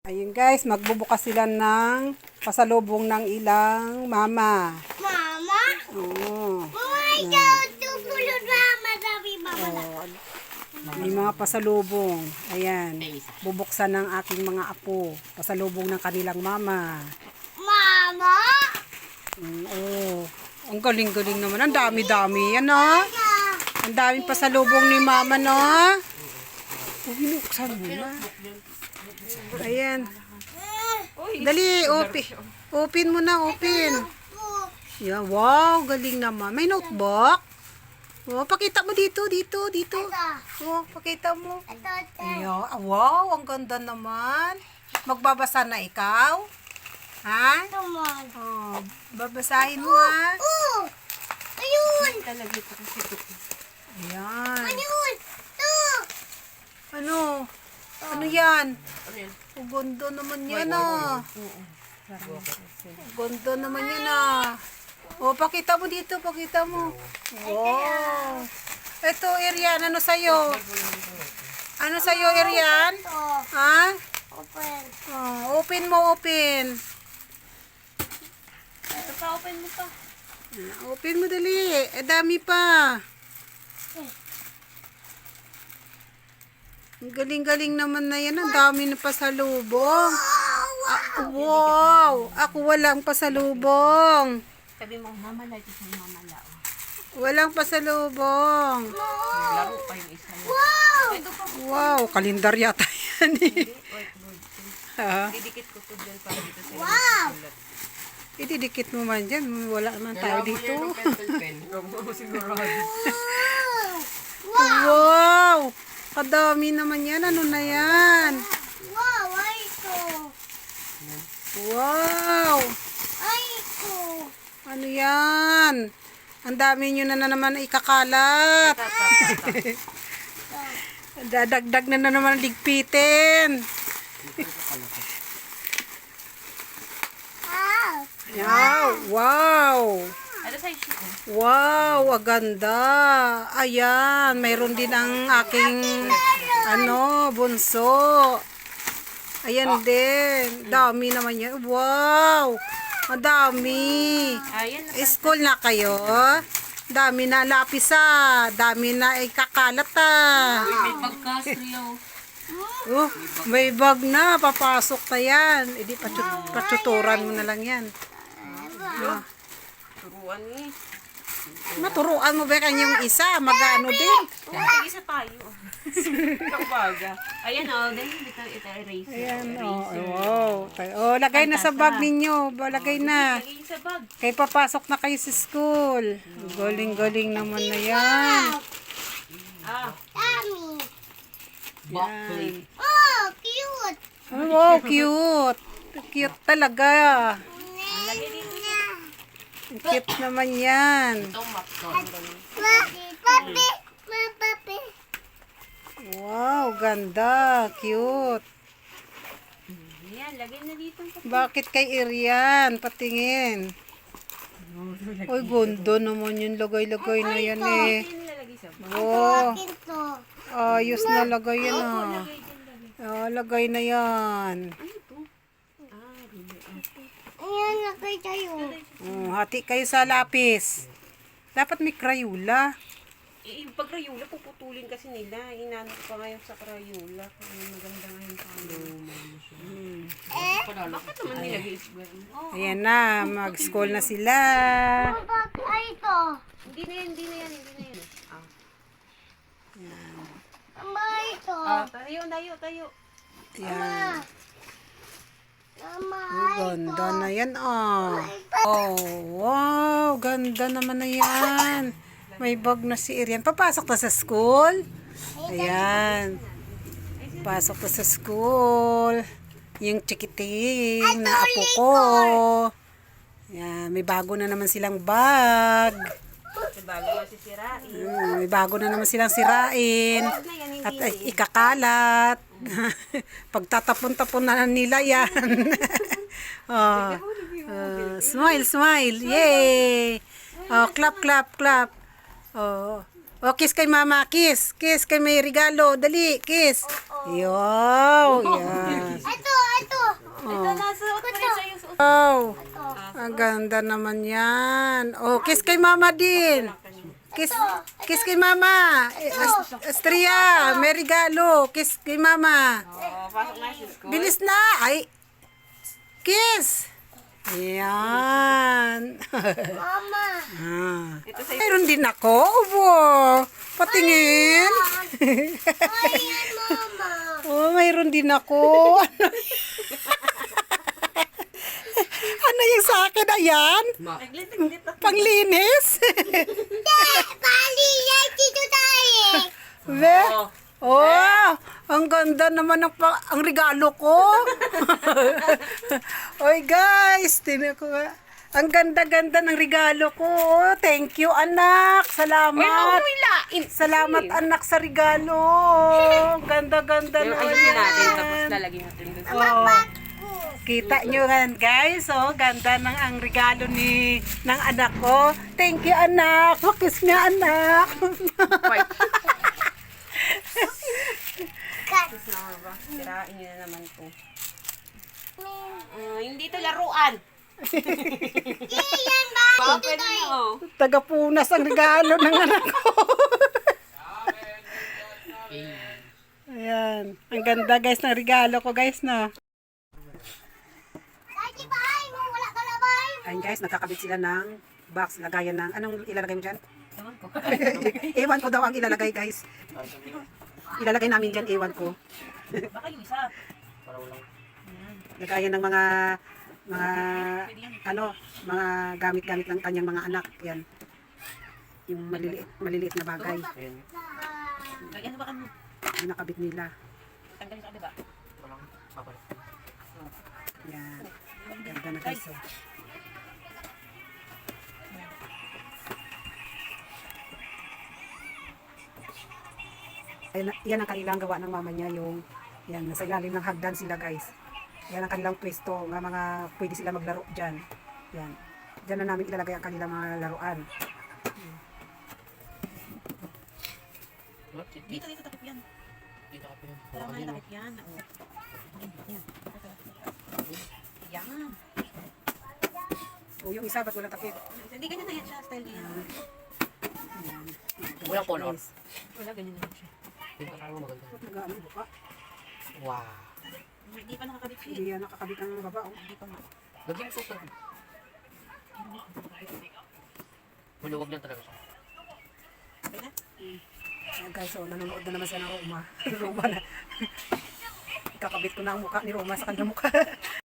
Ayun guys, magbubukas sila ng pasalubong ng ilang mama. Mama? Oo. Tutulog mama, sabi mama na. May mga pasalubong. Ayan. Bubuksan ng aking mga apo. Pasalubong ng kanilang mama. Mama? Oo. Ang galing-galing naman. Ang dami-dami. Yan o. Ang daming pasalubong ni mama no. Binuksan mo na. Ayan. Dali, open mo na, open. Yan, wow, galing naman. May notebook? Oh, pakita mo dito. Oh, pakita mo. Ayan, wow, ang ganda naman. Magbabasa na ikaw? Ha? Oh, babasahin mo ha. Ayun! Ayan. Ayun! Ano? Ano yan? Ang ganda naman yan ah. Ang ganda naman yan ah. O, pakita mo dito, pakita mo. Wow. Ito, Irian, ano sa'yo? Ano sa'yo, Irian? Ha? Open. Oh, open mo, open. Ito pa, open mo pa. Open mo dali. Dami pa. Ang galing-galing naman na yan. Ang dami na pasalubong. Wow! Ako walang pasalubong. Sabi mo, mamala, ito sa mamala. Walang pasalubong. Laro pa yung isa. Wow! Wow, kalendar yata yan eh. Ha? Didikit ko to dyan para dito sa Wow! Ididikit mo man dyan. Wala naman tayo dito. Wow! Kadami naman yan. Ano na yan? Wow! Ay, ito. Wow! Ay, ito. Ano yan? Ang dami nyo na naman ikakalat. Dadagdag na naman ligpitin. Wow! Wow! Ano sa issue ko? Wow, ang ganda. Ayan, mayroon din ang aking bunso. Ayan din. Dami naman yan. Wow! Ang dami. Ayan. School na kayo? Dami na lapis ah. Dami na ikakalat ah. May pagkasriyaw. Oh, may bag na. Papasok na yan. Edi patsuturan mo na lang yan. Turuan ni. Maturuan mo ba kanyang isa? Magano din. Oo, isa tayo. Kabaga. Ayan o, dahil ito erase. Ayan, wow. Oh, lagay na sa bag ninyo. Lagay na. Lagay sa bag. Kaya papasok na kayo sa school. Galing-galing naman na yan. Dami. Yan. Oh, cute. Oh, wow, cute. Cute talaga. Lagay dito. Ang cute naman yan. Itong map to. Papi. Papi. Wow, ganda. Cute. Ayan, lagay na dito. Bakit kay Irian? Patingin. Uy, ganda naman yung lagay-lagay na yan eh. Ayan, lalagay sa bag. Oh, Akin to. ayos na lagay yan ah. Lagay dyan, lagay. Oh, lagay na yan. Ano to? Ruby. Ayan, nakay tayo. Oh, hati kayo sa lapis. Dapat may Crayola. Yung pag Crayola, puputulin kasi nila. Inano ko pa ngayon sa Crayola. Kaya maganda ngayon pa. Bakit naman nilagay ito? Oh, Ayan na, mag-school na sila. Papi, ay ito. hindi na yan. Mama, ito. Tayo. Ayan. Mama, Ang ganda na yan ah. Oh, wow, ganda naman na yan. May bag na si Irian. Papasok na sa school. Ayan. Pasok na sa school. Yung chikiting na apo ko. Ayan, may bago na naman silang bag. Bago masisirain. May bago na naman silang sirain. At ikakalat. Pagtatapon-tapon na nila yan. Oh, smile. Yay! Oh, clap. Oh, kiss kay mama, kiss. Kiss kay may regalo. Dali, kiss. Yo, yan. ito. Ang ganda naman yan. Oh, kiss kay mama din. Kiss kay mama. Astria, may regalo. Kiss kay mama. Oh, pasok na si school. Bilis na. Ay. Kiss. Yan. Mama. Ito sa'yo. Mayroon din ako. Wow. Patingin. Ayan, mama. Oh, mayroon din ako. Ano yung sa akin? Ayan. Naglit. Panglinis. Bali, yan dito tayo. Be? Oh, ang ganda naman ang regalo ko. Oy guys, tinan ko nga. Ang ganda-ganda ng regalo ko. Thank you anak. Salamat. Salamat anak sa regalo. Ganda-ganda Yung naman ayusin natin, yan. tapos lalagyan natin dun. Oh. Kita nyo yan guys, oh, ganda ng ang regalo ng anak ko. Thank you anak. Makis nga anak. White. Tapos na ba? Sirain nyo na naman to. Hindi to laruan. Iyan ba? Pwede na oh. Tagapunas ang regalo ng anak ko. Ayan. Ang ganda guys ng regalo ko guys na. Daddy, bahay mo. Wala ka na bahay mo. Ayan guys, nakakabit sila ng box. Lagayan ng, anong ilalagay mo dyan? Ewan ko daw ang ilalagay guys. Ilalagay namin dyan, ewan ko. Baka yung isa. Lagayan ng mga mga gamit-gamit ng kanyang mga anak. Yan. Yung maliliit na bagay. Ano ba ano? Yung nakabit nila. Tanggalin sa diba? Yan. Ganda na guys. Oh. Yan ang kanilang gawa ng mama niya, yung yan, nasa ilalim ng hagdan sila guys. Yan ang kanilang pwesto, mga pwede sila maglaro dyan. Yan. Dyan na namin ilalagay ang kanilang mga laruan. Dito takip yan. Tama na takip yan. Yan. Yan. O yung isa, ba't walang takip? Hindi ganyan na yan siya. Style niya. Yan. Walang color. Guys, Wala ganyan na siya. Hindi ka maganda. nag-ano yung buka? Wow. Hindi pa nakakabit siya. Hindi yan nakakabit ang baba. Oh. Hindi pa nga. Lagyan mo super. Maluwag lang talaga siya. Okay na? Ayan guys, so nanonood na naman siya ng Roma. Roma na. Kakabit ko na ang mukha ni Roma sa kanyang mukha.